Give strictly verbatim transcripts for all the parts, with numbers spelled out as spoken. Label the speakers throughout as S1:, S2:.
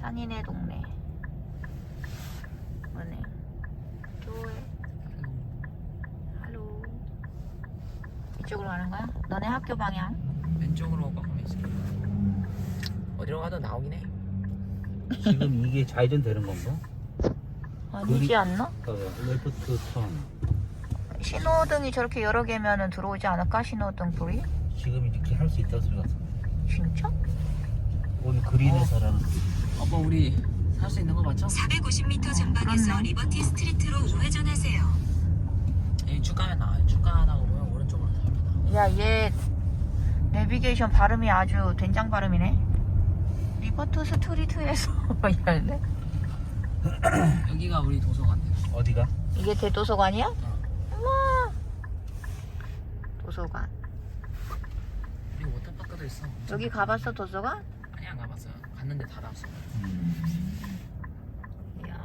S1: 산이네 동네. 뭐네? 좋아해. 할로. 이쪽으로 가는 거야? 너네 학교 방향?
S2: 왼쪽으로 가면 있어. 어디로 가도 나오긴 해.
S3: 지금 이게 좌회전 되는 건가?
S1: 아니지 않나?
S3: 봐봐, 레프트 턴.
S1: 신호등이 저렇게 여러 개면은 들어오지 않을까? 신호등 불이?
S3: 지금 이렇게 할 수 있다 소리 같은데.
S1: 진짜?
S3: 오늘 그린에서라는 소리.
S2: 아빠 우리 살 수 있는 거 맞죠?
S4: 사백오십 미터 전방에서
S1: 그렇네.
S4: 리버티 스트리트로 우회전하세요.
S2: 여기 쭉 가면 나와요. 쭉 가다가 보면 오른쪽으로 나옵니다.
S1: 야, 얘 내비게이션 발음이 아주 된장 발음이네. 리버트 스트리트에서 이러는데?
S2: 여기가 우리 도서관이에요.
S3: 어디가?
S1: 이게 대도서관이야?
S2: 어.
S1: 우와. 도서관.
S2: 그리고 워터파크도 있어.
S1: 여기 가봤어, 도서관?
S2: 아니 안 가봤어요. 갔는데 닫았어.
S1: 이야.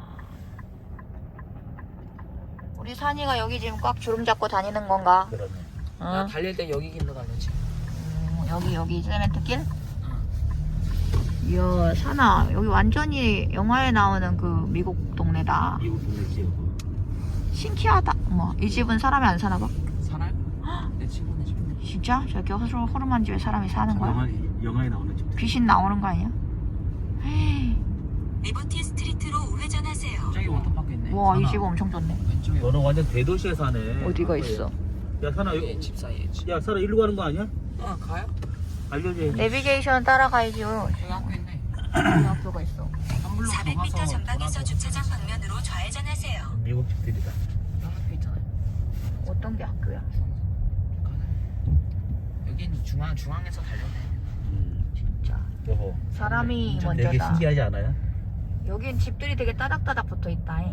S1: 우리 산이가 여기 지금 꽉 주름 잡고 다니는 건가?
S3: 그러네.
S2: 나
S1: 어?
S2: 달릴 때 여기 길로 달렸지.
S1: 음, 여기, 여기 세멘트길?
S2: 응.
S1: 이야, 산아. 여기 완전히 영화에 나오는 그 미국 동네다.
S3: 미국 동네 지역.
S1: 신기하다. 어머, 이 집은 사람이 안 사나 봐.
S2: 살아요? 내 친구네 집.
S1: 진짜? 저렇게 허술, 허름한 집에 사람이 사는 거야?
S3: 영화, 영화에 나오는 집.
S1: 귀신 나오는 거 아니야? 헤이.
S4: 리버티 스트리트로 우회전하세요.
S2: 저기 워터파크 있네.
S1: 와, 이
S3: 산아.
S1: 집 엄청 좋네.
S2: 왼쪽에
S3: 너는 완전 대도시에 사네.
S1: 어디가 있어?
S3: 야, 사나,
S2: 여기
S3: 여-
S2: 집 사이에 집.
S3: 야, 사나 일로 가는 거 아니야?
S2: 어 가요?
S3: 알려줘야지.
S1: 내비게이션 따라가야죠.
S2: 저기 학교 있네.
S1: 여기 학교가 있어.
S2: 한 블록 더
S4: 사백 미터
S2: 가서
S4: 전방에서
S2: 돌아서
S4: 주차장 방면으로 좌회전하세요.
S3: 미국 집들이다.
S2: 여기 학교 있잖아요.
S1: 어떤 게 학교야?
S2: 가요. 여긴 중앙 중앙에서 달렸네.
S3: 음,
S1: 진짜.
S3: 여보.
S1: 사람이
S3: 좀 되게
S1: 먼저다.
S3: 신기하지 않아요?
S1: 여긴 집들이 되게 따닥따닥 붙어 있다.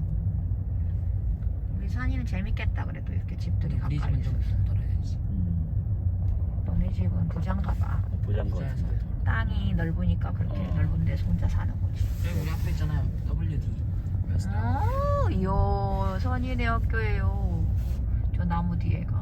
S1: 우리 산이는 재밌겠다. 그래도 이렇게 집들이
S2: 우리
S1: 가까이
S2: 집은 좀
S1: 있어서.
S2: 떨어야지.
S3: 음,
S1: 너네 집은 부자인가 봐.
S3: 부자인 거
S2: 부자에서
S3: 같은데.
S2: 떨어.
S1: 땅이 넓으니까 그렇게
S3: 어.
S1: 넓은 데서 혼자 사는 거지.
S2: 여기 우리 학교 있잖아요. 더블유 디.
S1: 어, 이야, 선이네 학교예요. 저 나무 뒤에가.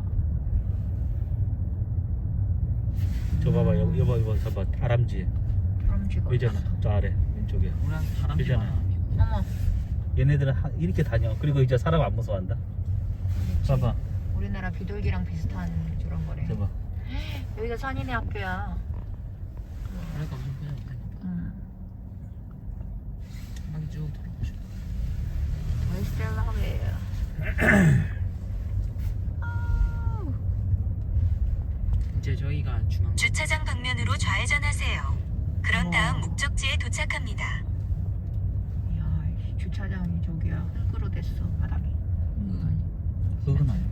S3: 저 봐봐, 여기, 여보, 여보, 저봐, 다람쥐.
S1: 그럼 지금.
S3: 여기잖아, 저 아래, 왼쪽에.
S2: 우리한테 다람쥐
S3: 그잖아.
S2: 많아.
S1: 어머,
S3: 얘네들은 하- 이렇게 다녀. 그리고 이제 사람 안 무서워한다. 봐봐,
S1: 우리나라 비둘기랑 비슷한 저런 거래.
S3: 저봐.
S1: 여기가 선이네 학교야.
S2: 그러니까 무슨 표정 못해.
S1: 응.
S2: 한 바퀴 쭉 돌아보시고.
S1: 웨스텔라베.
S2: 이제 저희가 중앙.
S4: 주차장 방면으로 좌회전하세요. 그런 다음
S1: 우와.
S4: 목적지에 도착합니다.
S1: 이야, 이 주차장이 저기야. 흙으로 됐어, 바닥이.
S3: 음, 그건 아니야.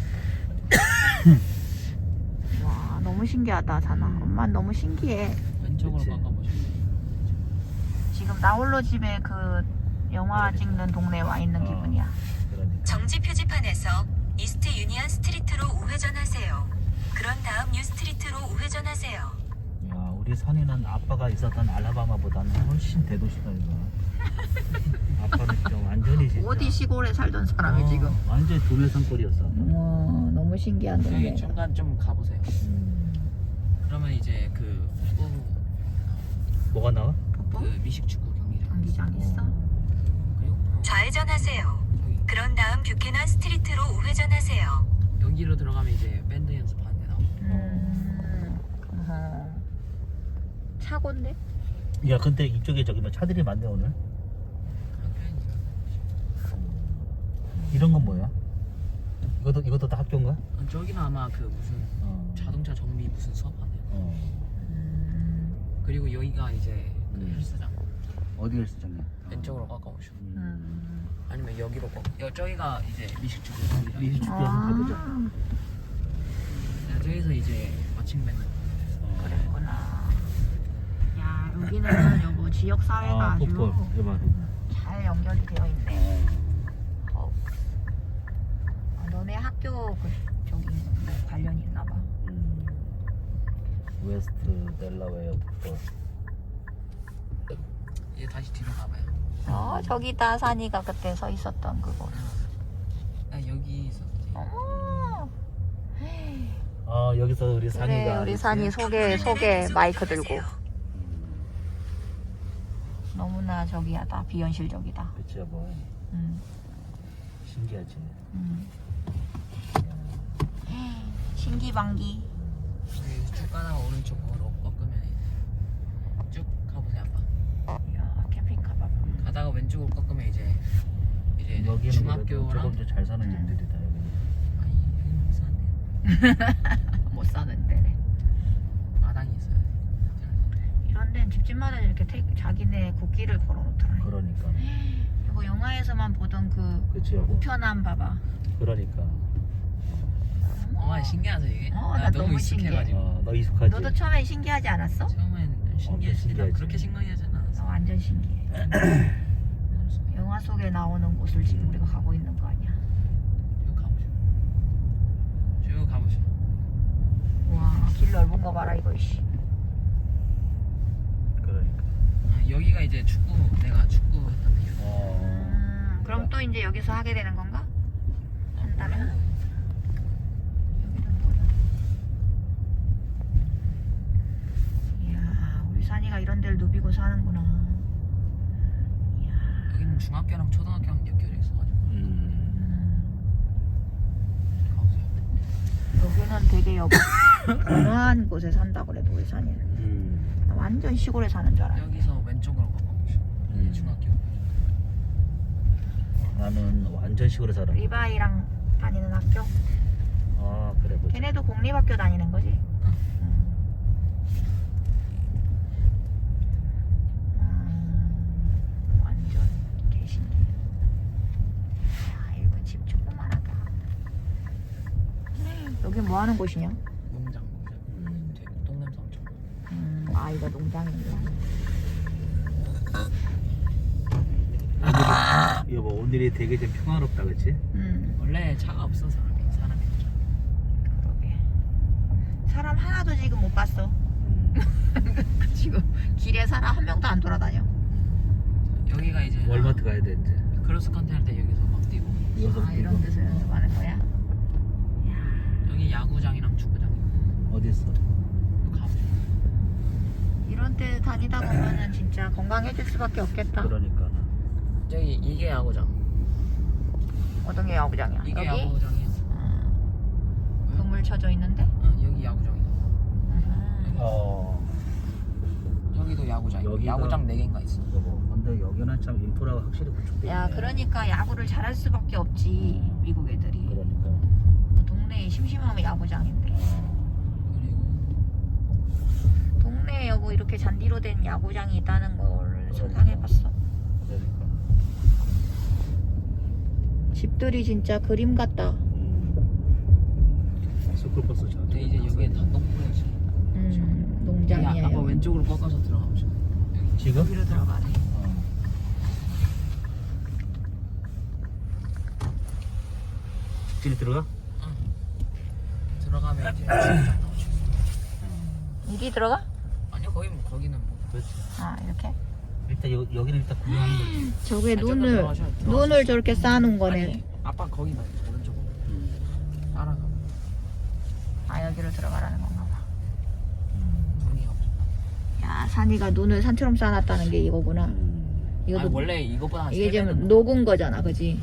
S1: 와, 너무 신기하다, 자나. 엄마 너무 신기해.
S2: 왼쪽으로
S3: 그치.
S2: 바꿔보시면 돼요.
S1: 지금 나홀로 집에 그 영화 찍는 동네에 와 있는
S3: 어.
S1: 기분이야.
S3: 그러니까.
S4: 정지 표지판에서 이스트 유니언 스트리트로 우회전하세요. 그런 다음 뉴 스트리트로 우회전하세요.
S3: 야, 우리 산에는 아빠가 있었던 알라바마보다는 훨씬 대도시다 이거. 아빠는 좀 완전히 진짜.
S1: 어디 시골에 살던 사람이
S3: 어,
S1: 지금.
S3: 완전히 도매산골이었어. 아빠.
S1: 와, 너무 신기한
S2: 저기
S1: 동네.
S2: 중간 좀 가보세요.
S3: 음,
S2: 그러면 이제 그 축구
S3: 뭐가 나와?
S1: 뽀뽀?
S2: 그 미식축구 경기장.
S1: 경기장 있어?
S2: 그리고 바로
S4: 좌회전하세요.
S2: 저기
S4: 그런 다음 뷰캐넌 스트리트로 우회전하세요.
S2: 여기로 들어가면 이제 밴드 연습하는 데 나오고.
S1: 음. 어허. 차고인데?
S3: 야, 근데 이쪽에 저기 뭐 차들이 많네 오늘.
S2: 학교에
S3: 이런 건 뭐야? 이것도 이것도 다 학교인가?
S2: 어, 저기는 아마 그 무슨
S3: 어.
S2: 자동차 정비 무슨 수업하네요.
S3: 어.
S1: 음.
S2: 그리고 여기가 이제 그
S3: 음.
S2: 헬스장.
S3: 어디 헬스장이야?
S2: 왼쪽으로 가까우시고.
S3: 음.
S1: 음.
S2: 아니면 여기로 거. 여 저기가 이제 미식축구 경기장.
S3: 미식축구.
S1: 아,
S3: 한번 가보자.
S2: 저기서 이제 마침 밴드.
S3: 어.
S1: 그랬구나. 야, 여기는 여보 지역 사회가
S3: 아,
S1: 아주
S3: 풋볼. 이봐.
S1: 잘 연결이 되어 있네. 어. 아, 너네 학교 그 저기 뭐 관련이 있나 봐.
S3: 음. 웨스트 델라웨어 풋볼.
S2: 이제 다시 뒤로 가봐요.
S1: 어, 저기다 산이가 그때 서 있었던 그곳.
S2: 아 여기 있었지.
S1: 어머.
S3: 아, 여기서 우리
S1: 그래,
S3: 산이가
S1: 우리 산이 소개 소개 마이크 들고.
S3: 음.
S1: 너무나 저기하다. 비현실적이다.
S3: 그치 여보.
S1: 음,
S3: 신기하지.
S1: 음. 신기방기.
S2: 여기 쭉 가다가 오른쪽으로 꺾으면 쭉 가보세요 아빠.
S1: 이야, 캠핑카 봐봐.
S2: 가다가 왼쪽으로 꺾으면 이제 이제
S3: 여기는 그래도
S2: 중학교랑
S3: 조금 더 잘 사는 집들이다 여기.
S2: 아니 여기는 못 사네요.
S1: 못 사는 데네.
S2: 마당이 있어야 돼.
S1: 이런 데는 집집마다 이렇게 태, 자기네 국기를 걸어놓더라.
S3: 그러니까.
S1: 이거 영화에서만 보던 그
S3: 그치 여보.
S1: 우편함 봐봐.
S3: 그러니까.
S2: 어 신기하죠 이게?
S1: 어,
S2: 나
S1: 나
S2: 너무
S1: 너무
S2: 익숙해가지고.
S3: 어, 너 익숙하지?
S1: 너도 처음엔 신기하지 않았어?
S2: 처음엔 신기했지.
S3: 신기하지.
S2: 그렇게 신기하지
S1: 나
S2: 않았어.
S1: 완전 신기해. 영화 속에 나오는 곳을 지금 우리가 가고 있는 거 아니야?
S2: 쭉 가보시오. 쭉 가보시오.
S1: 와, 길 넓은 거 봐라 이거. 씨.
S3: 그러니까.
S2: 아, 여기가 이제 축구 내가 축구 했던 데.
S3: 어.
S1: 음, 그럼 또 이제 여기서 하게 되는 건가? 한다면? 여기는 뭐야? 이야, 우리 산이가 이런 데를 누비고 사는구나. 이야,
S2: 여기는 중학교랑 초등학교랑 연결해 있어가지고
S3: 음.
S1: 음,
S2: 가보세요.
S1: 여기는 되게 여보 어마한 곳에 산다 그래도 우리 산이는.
S3: 음.
S1: 나 완전 시골에 사는 줄 알았는데.
S2: 여기서 왼쪽으로 가보시오.
S3: 음.
S2: 이게 중학교.
S3: 나는 완전 시골에 살아.
S1: 리바이랑 다니는 학교?
S3: 아 그래 보자.
S1: 걔네도 공립학교 다니는 거지?
S2: 응.
S1: 음, 완전 개신기. 야, 이거 집 조그만하다. 여기 뭐 하는 곳이냐?
S2: 농장.
S3: 음.
S2: 되게 똥냄새 엄청.
S1: 음, 아, 이거 농장이구나.
S3: 오늘이, 여보 오늘이 되게 좀 평화롭다 그치?
S1: 음,
S2: 원래 차가 없어 사람이 사람이 없죠.
S1: 그러게. 사람 하나도 지금 못 봤어.
S3: 음.
S1: 지금 길에 사람 한 명도 안 돌아다녀.
S2: 여기가 이제
S3: 월마트 가야 돼 이제.
S2: 크로스 컨트리 할 때 여기서 막 뛰고.
S3: 여기서
S1: 아, 이런
S3: 뛰고.
S1: 데서 연습하는 거야?
S2: 여기 야구장이랑 축구장.
S3: 어디 있어?
S2: 이거 가보시오.
S1: 이런 데 다니다 보면은 진짜 건강해질 수밖에 없겠다.
S3: 그러니까.
S2: 저기 이게 야구장.
S1: 어떤 게 야구장이야?
S2: 이게
S1: 여기?
S2: 야구장이야.
S1: 음, 건물 쳐져 있는데?
S2: 응, 여기 야구장이다.
S1: 음.
S3: 어.
S2: 여기도 야구장.
S3: 여기가-
S2: 야구장 네 개인가 있어.
S3: 여보 근데 여기는 참 인프라가 확실히 구축돼 있네.
S1: 야, 그러니까 야구를 잘할 수밖에 없지, 미국 애들이.
S3: 그러니까.
S1: 동네에 심심하면 야구장인데.
S3: 어.
S2: 그리고
S1: 동네에 여보 이렇게 잔디로 된 야구장이 있다는 걸
S3: 그러니까.
S1: 상상해봤어.
S3: 그러니까.
S1: 집들이 진짜 그림 같다.
S3: 음. 스쿨버스 잘.
S2: 근데 이제 여기엔 다 똥꼬야지.
S1: 음,
S2: 여기
S1: 농장이야.
S2: 아빠
S1: 여기.
S2: 왼쪽으로 꺾어서 들어가보자. 여기
S3: 지금?
S1: 여기로 들어가네.
S3: 어. 직진이 들어가?
S2: 들어가면 이제 축구장 나오죠.
S1: 이리 들어가?
S2: 아니요 거기 뭐 거기는 뭐.
S3: 그렇지.
S1: 아, 이렇게?
S3: 일단 여, 여기는 일단 구경하는 거지.
S1: 저게
S2: 아,
S1: 눈을,
S2: 들어가셔, 들어가셔.
S1: 눈을 저렇게 쌓아놓은 거네.
S2: 아니, 아빠 거기 봐 오른쪽으로 따라가.
S1: 아, 여기로 들어가라는 건가 봐.
S3: 음.
S2: 눈이 없어.
S1: 야, 산이가 눈을 산처럼 쌓아놨다는 게 이거구나.
S3: 음.
S1: 이것도
S2: 아니, 원래 이거보다 한
S1: 이게
S2: 세 배는
S1: 지금 녹은 거잖아, 그지?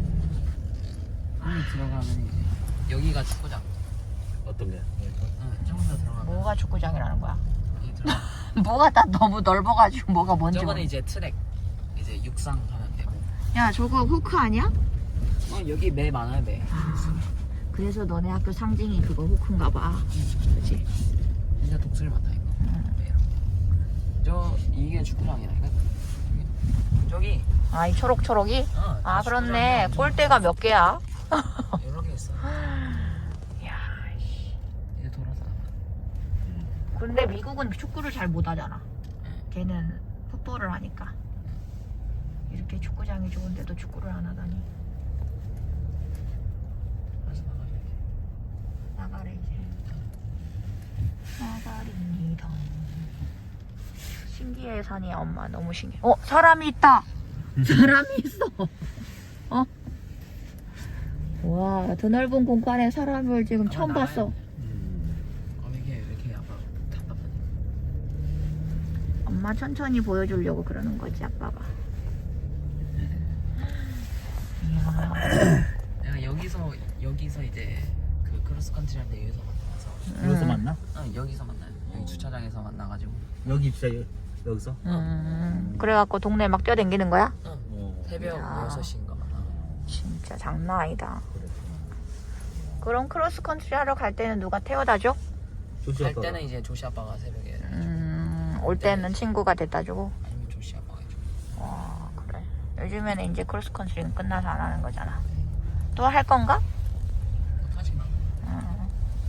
S2: 눈이 들어가면 이제 여기가 축구장.
S3: 어떤 게?
S2: 응, 조금 더 들어가면
S1: 뭐가 축구장이라는 거야?
S2: 여기 들어가.
S1: 뭐가 다 너무 넓어가지고 뭐가 뭔지
S2: 저거는
S1: 모르...
S2: 이제 트랙. 이제 육상 하면 되고.
S1: 야, 저거 후크 아니야?
S2: 어 여기 매 많아요 매.
S1: 그래서 너네 학교 상징이 그거 후크인가 봐. 그치?
S2: 진짜 독수리 많다 이거. 매로. 저 이게 축구장이라니까. 저기.
S1: 아, 이 초록초록이?
S2: 어,
S1: 아,
S2: 다
S1: 그렇네.
S2: 축구장이야.
S1: 골대가 몇 개야?
S2: 여러 개 있어.
S1: 야,
S2: 이제 돌아서 가봐.
S1: 근데 미국은 축구를 잘 못하잖아. 걔는 풋볼을 하니까. 이렇게 축구장이 좋은데도 축구를 안 하다니.
S2: 그래서 나가줘야지.
S1: 나가래 이제. 나가립니다. 신기해 산이야 엄마. 너무 신기해. 어, 사람이 있다. 사람이 있어. 어? 와, 드넓은 공간에 사람을 지금 처음
S2: 나와요.
S1: 봤어.
S3: 음.
S2: 어 이게 왜 이렇게 아빠 답답하지?
S1: 엄마 엄마 천천히 보여주려고 그러는 거지 아빠가. 이야.
S2: 내가 여기서 여기서 이제 그 크로스컨트리 할 때 여기서 만나서
S3: 여기서
S1: 음.
S3: 만나?
S2: 응 여기서 만나요. 여기 주차장에서 만나가지고
S3: 여기 진짜 여, 여기서?
S1: 음, 그래갖고 동네 막 뛰어댕기는 거야?
S2: 응
S3: 어.
S2: 새벽
S1: 야.
S2: 여섯 시인가 만나.
S1: 진짜 장난 아니다.
S3: 그랬구나.
S1: 그럼 크로스컨트리 하러 갈 때는 누가 태워다 줘?
S3: 조시
S2: 갈
S3: 아빠가.
S2: 때는 이제 조시 아빠가 새벽에
S1: 음, 올 때는 친구가 데려다 주고.
S2: 아니면 조시 아빠가 해줘.
S1: 와, 그래. 요즘에는 이제 크로스컨트리는 끝나서 안 하는 거잖아. 또 할 건가?
S2: 하지 마.
S1: 음.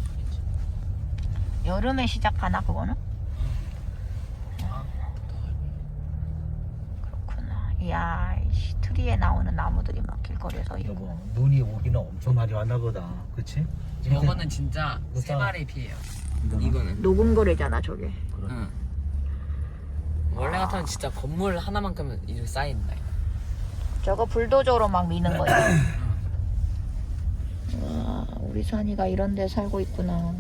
S1: 여름에 시작하나 그거는?
S2: 아, 더 할 거야.
S1: 그렇구나. 이야, 이씨, 트리에 나오는 나무들이 막 길거리에서 있고.
S3: 여보 눈이 오기는 엄청 많이 왔나 보다. 그치?
S2: 저거는 진짜 세
S3: 그렇다.
S2: 마리 피해요.
S3: 이거는?
S2: 이거는.
S1: 녹음거리잖아 저게.
S3: 그래.
S2: 응. 원래 같으면 진짜 건물 하나만큼은 이렇게 쌓인다.
S1: 저거 불도저로 막 미는 거야. 와, 우리 산이가 이런 데 살고 있구나.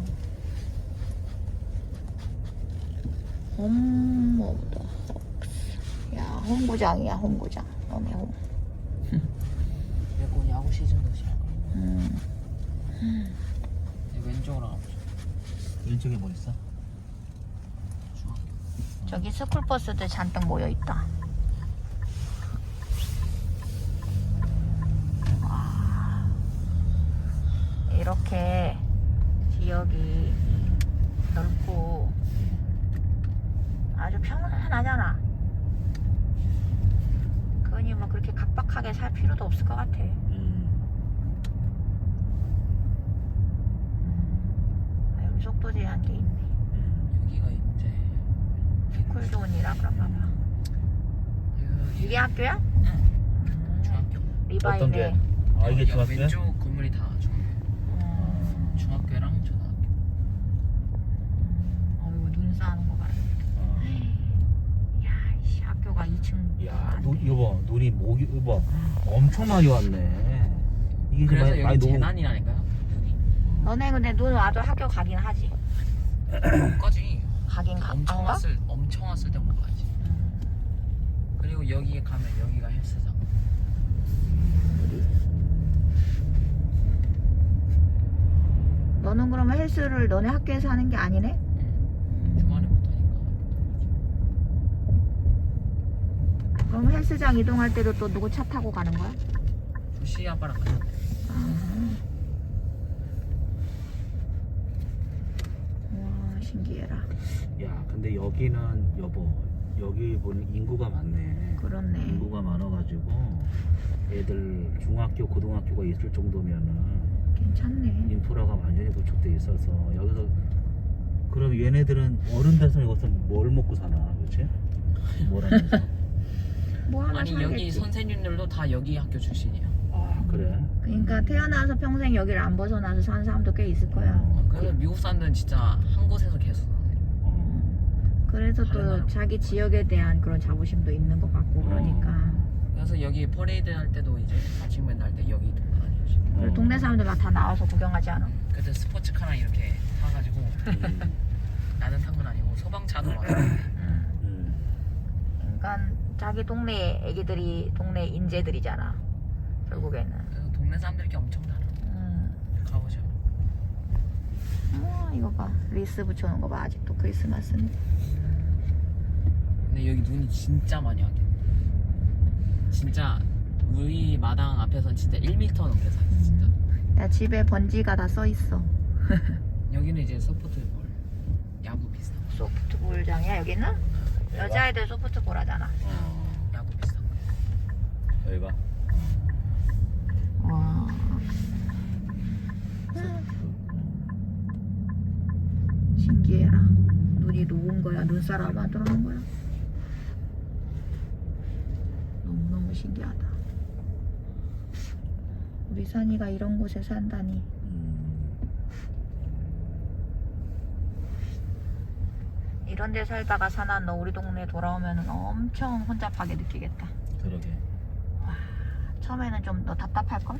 S1: 엄마보다. 야, 홈구장이야, 홈구장. 너네 홈.
S2: 그리고 야구 시즌도 시작.
S1: 음.
S2: 왼쪽으로 가보자.
S3: 왼쪽에 뭐 있어?
S2: 중앙.
S1: 저기 스쿨버스들 잔뜩 모여 있다. 와, 이렇게 지역이 넓고 아주 평안하잖아. 그러니 뭐 그렇게 각박하게 살 필요도 없을 것 같아.
S3: 음.
S1: 아, 여기 속도 제한돼 있네.
S3: 음.
S2: 여기가 이제
S1: 스쿨존이라 그런가 봐.
S2: 여기
S1: 이게 학교야?
S2: 응.
S1: 음,
S2: 중학교.
S3: 어떤 게?
S1: 리바이네.
S3: 아 이게
S2: 여기
S3: 중학교야?
S2: 왼쪽 건물이 다 중학교.
S1: 음.
S2: 중학교랑 초등학교.
S1: 어이구, 눈 쌓는 거 봐라.
S3: 어.
S1: 야, 이 학교가 이 층.
S3: 야, 눈, 여보, 눈이 목이, 여보, 엄청 많이 왔네. 이게
S2: 그래서
S3: 많이,
S2: 여기
S3: 많이 녹음.
S2: 재난이라니까요. 눈이.
S1: 너네 근데 눈 와도 학교 가긴 하지.
S2: 못 가지.
S1: 가긴 가.
S2: 엄청
S1: 안 가?
S2: 왔을 엄청 왔을 때 못 가지. 그리고 여기에 가면 여기가 헬스장.
S1: 너는 그러면 헬스를 너네 학교에서 하는 게 아니네?
S2: 응. 주말에 못 하니까.
S1: 그럼 헬스장 이동할 때도 또 누구 차 타고 가는 거야?
S2: 조시 아빠랑 가자.
S1: 와, 신기해라.
S3: 야, 근데 여기는, 여보, 여기 보니 인구가 많네.
S1: 그렇네.
S3: 인구가 많아가지고, 애들 중학교, 고등학교가 있을 정도면은,
S1: 괜찮네.
S3: 인프라가 완전히 구축돼 있어서, 여기서, 그럼 얘네들은 어른 돼서 여기서 뭘 먹고 사나, 그치? 뭘 하면서?
S1: 뭐 하나
S2: 아니
S1: 살겠지.
S2: 여기 선생님들도 다 여기 학교 출신이에요.
S3: 아, 그래?
S1: 그러니까 태어나서 평생 여기를 안 벗어나서 사는 사람도 꽤 있을 거야.
S3: 어,
S2: 그래서 미국 사람들은 진짜 한 곳에서 계속 사는 거예요.
S3: 어.
S1: 그래서
S2: 다른 나라
S1: 또 자기 지역에 대한 그런 자부심도 있는 것 같고 그러니까.
S2: 그래서 여기 퍼레이드 할 때도 이제 마칭밴드 할 때 여기 돌아다니지.
S1: 그리고 동네 사람들 막 다 나와서 구경하지 않아?
S2: 그때 스포츠카랑 이렇게 타가지고
S3: 음,
S2: 나는 탄 건 아니고 소방차도 와서
S1: 응.
S3: 음.
S1: 그러니까 자기 동네 애기들이 동네 인재들이잖아. 결국에는.
S2: 그래서 동네 사람들이 엄청 많아.
S1: 음.
S2: 가보죠.
S1: 어, 이거 봐. 리스 붙여놓은 거 봐. 아직도 크리스마스는.
S2: 근데 여기 눈이 진짜 많이 와요. 진짜 우리 마당 앞에서는 진짜 일 미터 넘게 사 진짜.
S1: 야, 집에 번지가 다 써 있어.
S2: 여기는 이제 소프트볼 야구 비슷한 거.
S1: 소프트볼장이야 여기는? 여자애들 소프트볼 하잖아.
S3: 어,
S2: 야구 비슷한 거.
S3: 여기가?
S1: 와. 신기해라. 눈이 녹은 거야? 눈사람 만들어놓은 거야? 너무너무 신기하다. 우리 산이가 이런 곳에 산다니.
S3: 음,
S1: 이런 데 살다가 사나 너 우리 동네 돌아오면 엄청 혼잡하게 느끼겠다.
S3: 그러게.
S1: 처음에는 좀 너 답답할걸?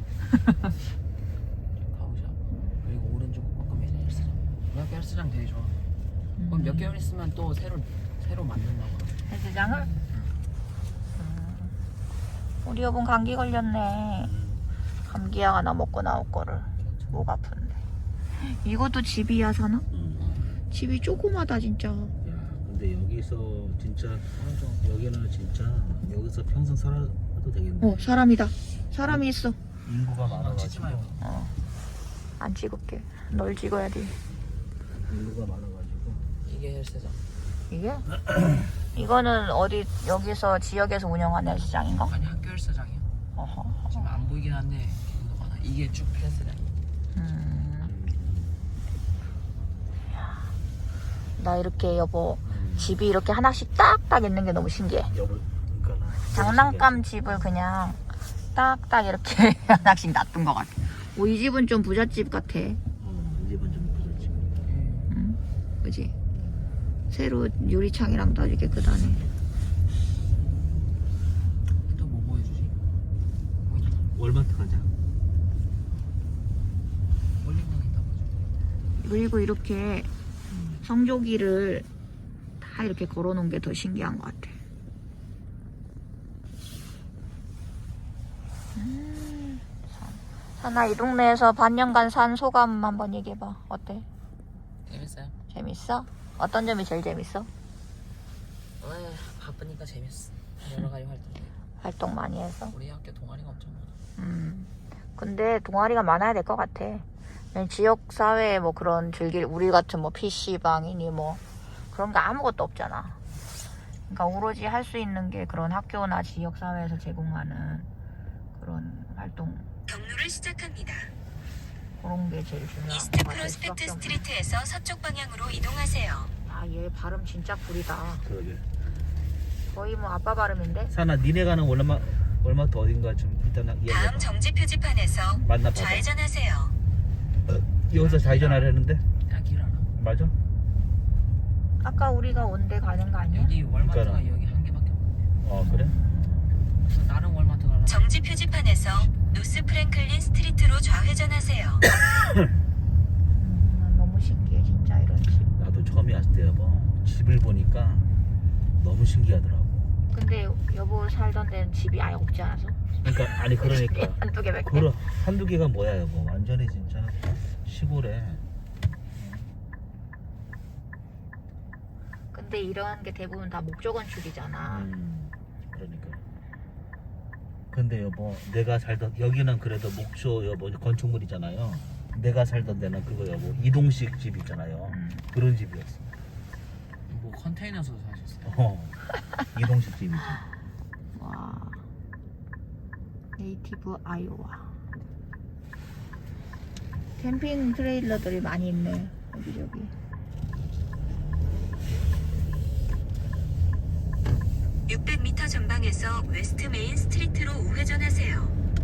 S2: 가보자. 그리고 오른쪽 꺾으면 이제 헬스장. 우리 학교 헬스장 되게 좋아. 그럼 몇 개월 있으면 또 새로 새로 만든다고.
S1: 헬스장을? 음. 우리 여분 감기 걸렸네. 감기약 하나 먹고 나올 거를. 목 아픈데. 이것도 집이야 사나?
S3: 음.
S1: 집이 조그마다 진짜.
S3: 야, 근데 여기서 진짜 여기는 진짜 여기서 평생 살아도 되겠네.
S1: 어 사람이다. 사람이 있어.
S3: 인구가
S2: 아, 찍지
S3: 많아가지고.
S2: 말고.
S1: 어. 안 찍을게. 널 찍어야 돼.
S3: 인구가 많아가지고.
S2: 이게 헬스장.
S1: 이게? 이거는 어디 여기서 지역에서 운영하는 헬스장인가?
S2: 아니 학교 헬스장이야.
S1: 어허.
S2: 지금 안 보이긴 한데 인구가 많아. 이게 쭉 헬스장.
S1: 음. 나 이렇게 여보 집이 이렇게 하나씩 딱딱 있는 게 너무 신기해.
S3: 여보, 그러니까 나
S1: 장난감 집을 그냥 딱딱 이렇게 하나씩 놔둔 것 같아. 오, 이 집은 좀 부잣집 같아.
S3: 어, 이 집은 좀 부럽지.
S1: 응? 그지? 새로 유리창이랑 다 이렇게 깨끗하네.
S2: 또 뭐 보여주지? 뭐 있나?
S3: 월마트 가자.
S2: 볼링장 있다 보지.
S1: 그리고 이렇게 성조기를 다 이렇게 걸어놓은 게 더 신기한 것 같아. 음, 사나 이 동네에서 반년간 산 소감 한번 얘기해봐. 어때?
S2: 재밌어요.
S1: 재밌어? 어떤 점이 제일 재밌어?
S2: 아, 바쁘니까 재밌어. 여러 가지 활동.
S1: 활동 많이 해서.
S2: 우리 학교 동아리가 엄청 많아.
S1: 음. 근데 동아리가 많아야 될 것 같아. 그냥 지역 사회에 뭐 그런 즐길 우리 같은 뭐 피시방이니 뭐 그런 게 아무것도 없잖아. 그러니까 오로지 할 수 있는 게 그런 학교나 지역 사회에서 제공하는 그런 활동
S4: 경로를 시작합니다.
S1: 그런 게 제일 중요한
S4: 이스트
S1: 것 같아.
S4: 프로스펙트
S1: 수학적으로.
S4: 스트리트에서 서쪽 방향으로 이동하세요.
S1: 아, 얘 발음 진짜 구리다.
S3: 그러게.
S1: 거의 뭐 아빠 발음인데?
S3: 사나 니네 가는 월마 월마트 어딘가 좀 일단
S4: 다음
S3: 이야기해봐.
S4: 정지 표지판에서
S3: 만나봐봐.
S4: 좌회전하세요.
S3: 여기서 좌회전하려는데
S2: 내가 길 알아.
S3: 맞아?
S1: 아까 우리가 온 데 가는 거 아니야?
S2: 여기 월마트가
S3: 그러니까.
S2: 여기 한 개밖에 없는데.
S3: 어 그래?
S2: 그래서 다른 월마트 가려면
S4: 정지 표지판에서 노스 프랭클린 스트리트로 좌회전하세요.
S1: 음, 난 너무 신기해 진짜 이런 집.
S3: 나도 처음에 왔을 때 여보 집을 보니까 너무 신기하더라고.
S1: 근데 여보 살던 데는 집이 아예 없지 않아서?
S3: 그러니까 아니 그러니까
S1: 한두 개밖에.
S3: 그런 한두 개가 뭐야 여보. 완전히 진짜 시골에.
S1: 근데 이런 게 대부분 다 목조 건축이잖아.
S3: 음 그러니까. 근데 여보 내가 살던 여기는 그래도 목조 여보 건축물이잖아요. 내가 살던 데는 그거 여보 이동식 집 있잖아요.
S1: 음.
S3: 그런 집이었어.
S2: 뭐 컨테이너에서 사셨어요.
S3: 어 이동식 집이지.
S1: 와. 네이티브 아이오와. 캠핑 트레일러들이 많이 있네. 여기저기.
S4: 육백 미터 전방에서 웨스트 메인 스트리트로 우회전하세요.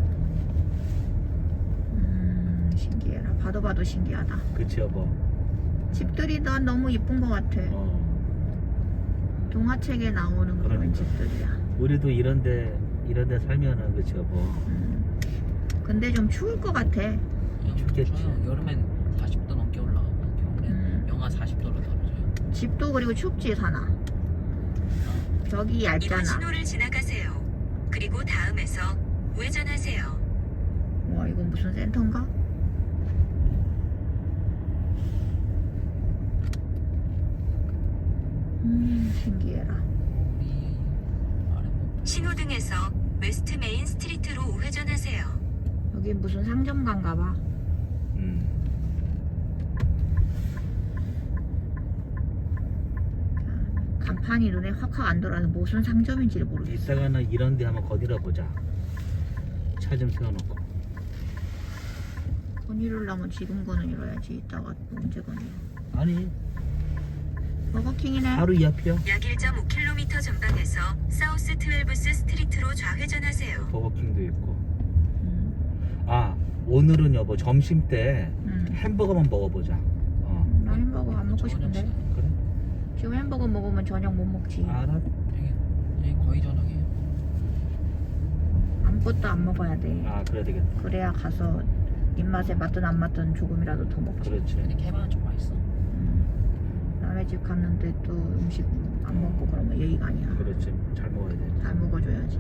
S1: 음, 신기해라. 봐도 봐도 신기하다.
S3: 그치 여보.
S1: 집들이 난 너무 이쁜 것 같아.
S3: 어.
S1: 동화책에 나오는 그런
S3: 그러니까.
S1: 집들이야.
S3: 우리도 이런데 이런데 살면은 그치 여보.
S1: 음. 근데 좀 추울 것 같아.
S3: 춥겠지.
S2: 여름엔 사십 도 넘게 올라가고 겨울엔
S1: 음.
S2: 영하 사십 도로 떨어져요.
S1: 집도 그리고 춥지 사나. 벽이
S4: 이번
S1: 얇잖아.
S4: 신호를 지나가세요. 그리고 다음에서 우회전하세요.
S1: 와 이건 무슨 센터인가? 음 신기해라.
S2: 우리 아래 뭐
S4: 신호등에서 웨스트 메인 스트리트로 우회전하세요.
S1: 여기 무슨 상점가인가 봐.
S3: 음.
S1: 간판이 눈에 확확 안 들어와서 무슨 상점인지를 모르겠어.
S3: 이따가는 이런데 한번 거들어 보자. 차 좀 세워놓고.
S1: 건의를 하면 지금 건의해야지. 이따가 언제 건의?
S3: 아니
S1: 버거킹이네.
S3: 바로 이 앞이야.
S4: 약 일 점 오 킬로미터 전방에서 사우스 트웰브스 스트리트로 좌회전하세요.
S3: 버거킹도 있고.
S1: 음,
S3: 아 오늘은 여보 점심 때
S1: 음.
S3: 햄버거만 먹어보자. 어
S1: 나 햄버거 안 먹고
S2: 저녁
S1: 싶은데.
S2: 시간.
S3: 그래?
S1: 지금 햄버거 먹으면 저녁 못 먹지.
S3: 알아.
S2: 여기, 여기 거의 저녁이에요.
S1: 아무것도 안 먹어야 돼.
S3: 아 그래야 되겠다.
S1: 그래야 가서 입맛에 맞든 안 맞든 조금이라도 더 먹지.
S3: 그렇지.
S2: 근데 개방은 좀 맛있어.
S1: 음. 남의 집 갔는데 또 음식 안 먹고 그러면 예의가 아니야.
S3: 그렇지. 잘 먹어야 돼.
S1: 잘 먹어줘야지.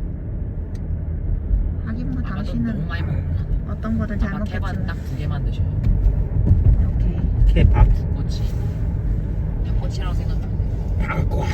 S1: 하긴 뭐
S2: 아마도 너무
S1: 당신은
S2: 많이 먹으면
S1: 어떤 거든 잘
S2: 아마 케밥
S1: 먹겠지만.
S2: 딱 두 개만 드셔요.
S1: 오케이.
S3: 케밥.
S2: 닭꼬치. 닭꼬치라고 생각하면 돼요.
S3: 닭꼬.